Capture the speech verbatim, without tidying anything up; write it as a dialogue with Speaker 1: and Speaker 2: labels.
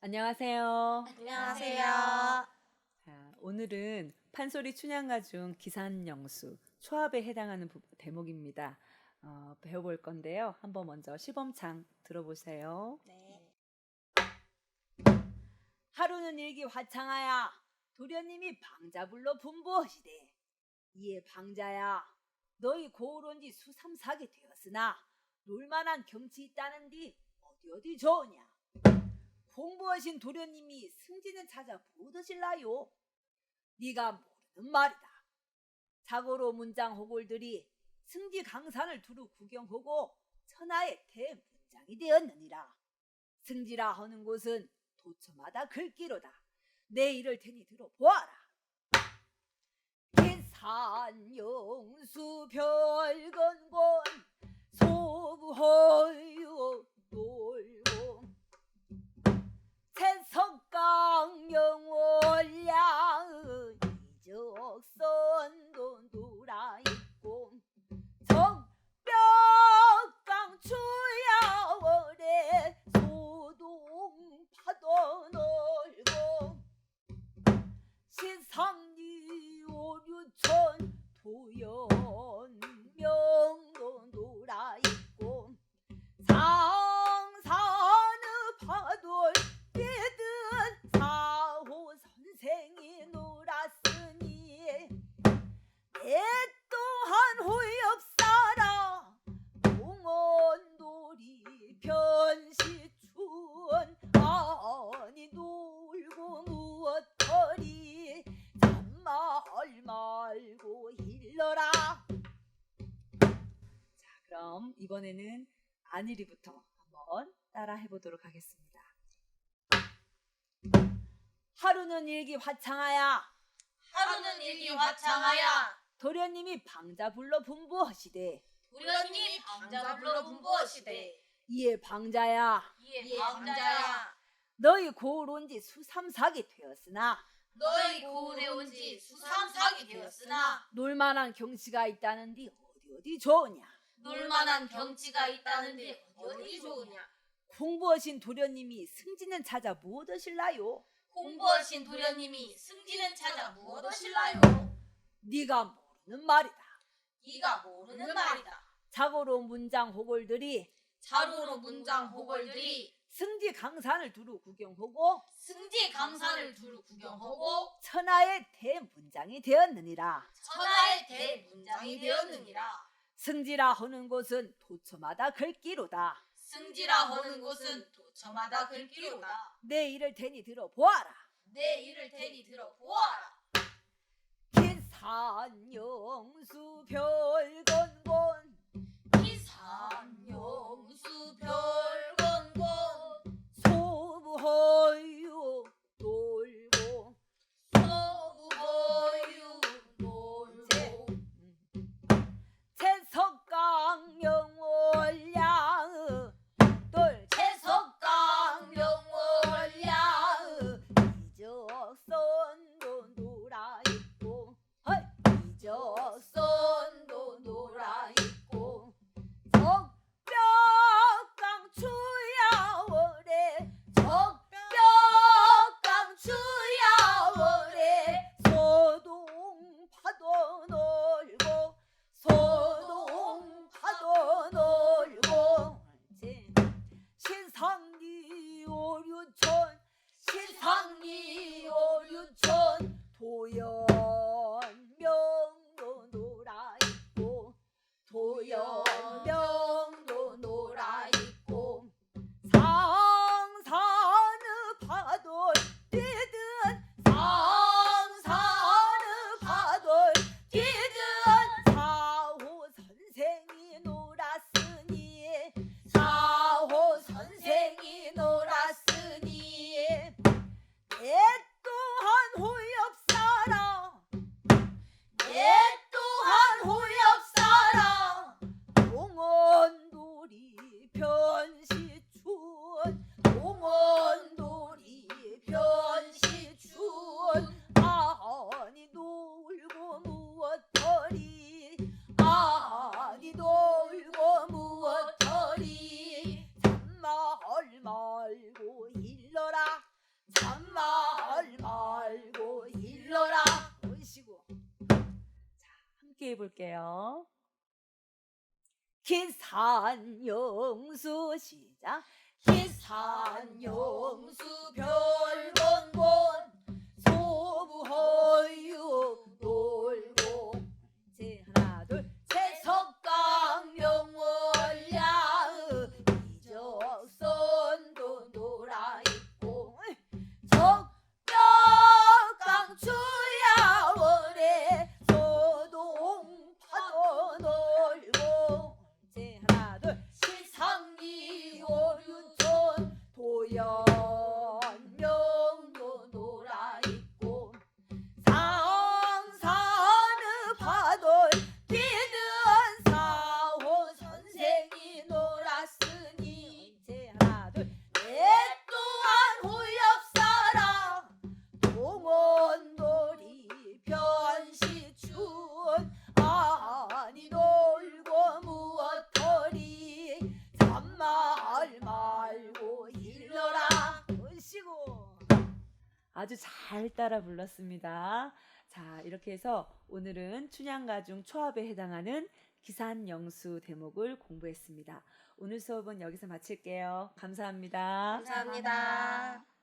Speaker 1: 안녕하세요.
Speaker 2: 안녕하세요.
Speaker 1: 자, 오늘은 판소리 춘향가 중 기산영수 초합에 해당하는 부- 대목입니다. 어, 배워볼 건데요. 한번 먼저 시범창 들어보세요.
Speaker 2: 네.
Speaker 3: 하루는 일기 화창하야 도련님이 방자불로 분부하시되, 이에 방자야 너희 고을 온지 수삼사기 되었으나 놀만한 경치 있다는디 어디 어디 좋으냐. 공부하신 도련님이 승진은 찾아 못 오실라요. 네가 모르는 말이다. 자고로 문장 호골들이 승지 강산을 두루 구경하고 천하의 대문장이 되었느니라. 승지라 하는 곳은 도처마다 글귀로다. 내 이를 테니 들어보아라. 기산영수 별건곤 소부허유 놀고 채석강 영월량의 이적선도 놀아있고 적벽강 추야월에 소동 파도 놀고 신상리 오류천 도연명도 놀아있고 상산의 파도 뛰든 사호 선생이 놀았으니 내 또한 호엽사라 동원놀이 변시춘 아니 놀고 무엇거리 잔말 말고 일러라.
Speaker 1: 자, 그럼 이번에는 안일이부터 한번 따라 해보도록 하겠습니다.
Speaker 3: 하루는 일기 화창하야
Speaker 2: 하루는 일기 화창하야
Speaker 3: 도련님이 방자불로 분부하시되,
Speaker 2: 도련님이 방자불로 분부하시되,
Speaker 3: 이에 방자야
Speaker 2: 이에 방자야
Speaker 3: 너희 고을 온지 수삼사기 되었으나
Speaker 2: 너희 고을에 온지 수삼사기 되었으나
Speaker 3: 놀만한 경치가 있다는디 어디 어디 좋으냐.
Speaker 2: 놀만한 경치가 있다는데 어디 좋으냐.
Speaker 3: 공부하신 도련님이 승진은 찾아 못 오실라요.
Speaker 2: 공부하신 도련님이 승진은 찾아 무엇 하실라요.
Speaker 3: 네가 모르는 말이다.
Speaker 2: 네가 모르는 말이다.
Speaker 3: 자고로 문장 호골들이
Speaker 2: 자루로 문장 호걸들이
Speaker 3: 승지 강산을 두루 구경하고
Speaker 2: 승지 강산을 두루 구경하고
Speaker 3: 천하의 대문장이 되었느니라.
Speaker 2: 천하의 대문장이 되었느니라.
Speaker 3: 승지라 하는 곳은 도처마다 글귀로다.
Speaker 2: 승지라 하는 곳은 도처마다 글귀로다.
Speaker 3: 내 이를 테니 들어보아라.
Speaker 2: 내 이를 테니 들어보아라.
Speaker 3: 기산영수 별건곤
Speaker 2: 기산영수 별건곤
Speaker 3: 소부허유 놀고
Speaker 2: 서부허유 놀고
Speaker 3: 채석강 영월량의 돌
Speaker 2: 채석강 영월량의
Speaker 3: 이적선도 놀아있고 헐
Speaker 2: 이적선도 놀아있고
Speaker 3: 적벽강 추야월에
Speaker 2: 적벽강 추야월에
Speaker 3: 소동 파도 놀고 소동 파도 놀고 신상리 오류천
Speaker 2: 신상리 오류천
Speaker 3: 도연명도 놀아있고
Speaker 2: 도연명도 놀아있고
Speaker 3: 상산의 파도 뛰든
Speaker 2: 상산의
Speaker 3: 파도 뛰든 사호 선생이 놀았으니
Speaker 2: 사호 선생이 놀았으니
Speaker 3: 내 또한 호엽사라 잔말 말고 일러라. 오시고
Speaker 1: 함께 해볼게요.
Speaker 3: 기산영수 시작.
Speaker 2: 기산용수 별건곤
Speaker 3: 소부허유 놀고 제 하나 둘
Speaker 2: 세석강 명월야
Speaker 3: 이적선도 놀아있고
Speaker 2: 적벽강
Speaker 3: 주야월에 소동파도 놀고 제 하나 둘
Speaker 2: 시상리
Speaker 3: 오륜촌 도연명도 놀아있고 상산의 파돌 뛰는 사호 선생이 놀았으니 제 하나 둘
Speaker 2: 내 또한 호엽사랑
Speaker 3: 동원놀이 변시춘 아니 놀고 무엇거리 잔말 말고 일러라. 으시고
Speaker 1: 아주 잘 따라 불렀습니다. 자, 이렇게 해서 오늘은 춘향가중 초합에 해당하는 기산영수 대목을 공부했습니다. 오늘 수업은 여기서 마칠게요. 감사합니다.
Speaker 2: 감사합니다.